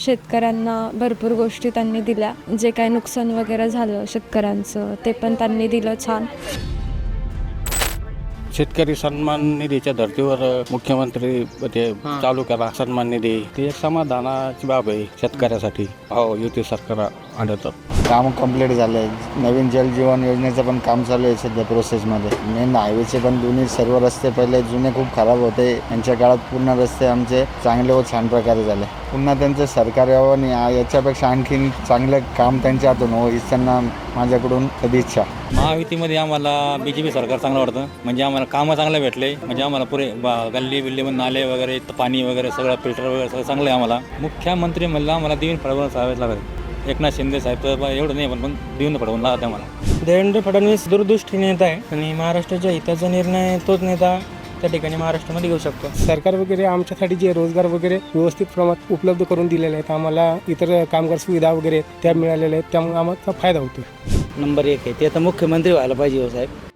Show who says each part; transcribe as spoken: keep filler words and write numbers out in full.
Speaker 1: शेतकऱ्यांना भरपूर गोष्टी त्यांनी दिल्या. जे काही नुकसान वगैरे झालं शेतकऱ्यांचं ते पण त्यांनी दिलं छान.
Speaker 2: शेतकरी सन्मान निधीच्या धर्तीवर मुख्यमंत्री ते चालू करा सन्मान निधी, ते एक समाधानाची बाब आहे शेतकऱ्यासाठी. हो, युती सरकार आढळतं.
Speaker 3: काम कंप्लीट झालं आहे. नवीन जल जीवन योजनेचं पण काम चालू आहे सध्या प्रोसेसमध्ये. मेन हायवेचे पण दोन्ही सर्व रस्ते पहिले जुने खूप खराब होते, यांच्या काळात पूर्ण रस्ते आमचे चांगले व छान प्रकारे झाले. पुन्हा त्यांचं सरकार यावं आणि याच्यापेक्षा आणखीन चांगलं काम त्यांच्या हातून हो हीच त्यांना माझ्याकडून सदिच्छा.
Speaker 4: महायुतीमध्ये आम्हाला बी जे पी सरकार चांगलं वाटतं. म्हणजे आम्हाला कामं चांगले भेटले. म्हणजे आम्हाला पुरे गल्ली बिल्लीमध्ये नाले वगैरे पाणी वगैरे सगळं फिल्टर वगैरे सगळं चांगलं आहे. आम्हाला मुख्यमंत्री म्हणलं आम्हाला देवेंद्र फडणवीस साहेब लागत. एकनाथ शिंदे साहेब तर एवढं नाही, पण पण देवेंद्र फडणवीस लागत आहे आम्हाला.
Speaker 5: देवेंद्र फडणवीस दूरदृष्टी नेता आहे आणि महाराष्ट्राच्या हिताचा निर्णय तोच नेता त्या ठिकाणी महाराष्ट्रामध्ये घेऊ शकतो.
Speaker 6: सरकार वगैरे आमच्यासाठी जे रोजगार वगैरे व्यवस्थित प्रमाणात उपलब्ध करून दिलेले आहेत, आम्हाला इतर कामगार सुविधा वगैरे त्या मिळालेल्या आहेत, त्यामुळे आम्हाला फायदा होतो.
Speaker 7: नंबर एक आहे ते आता मुख्यमंत्री व्हायला पाहिजे हो साहेब.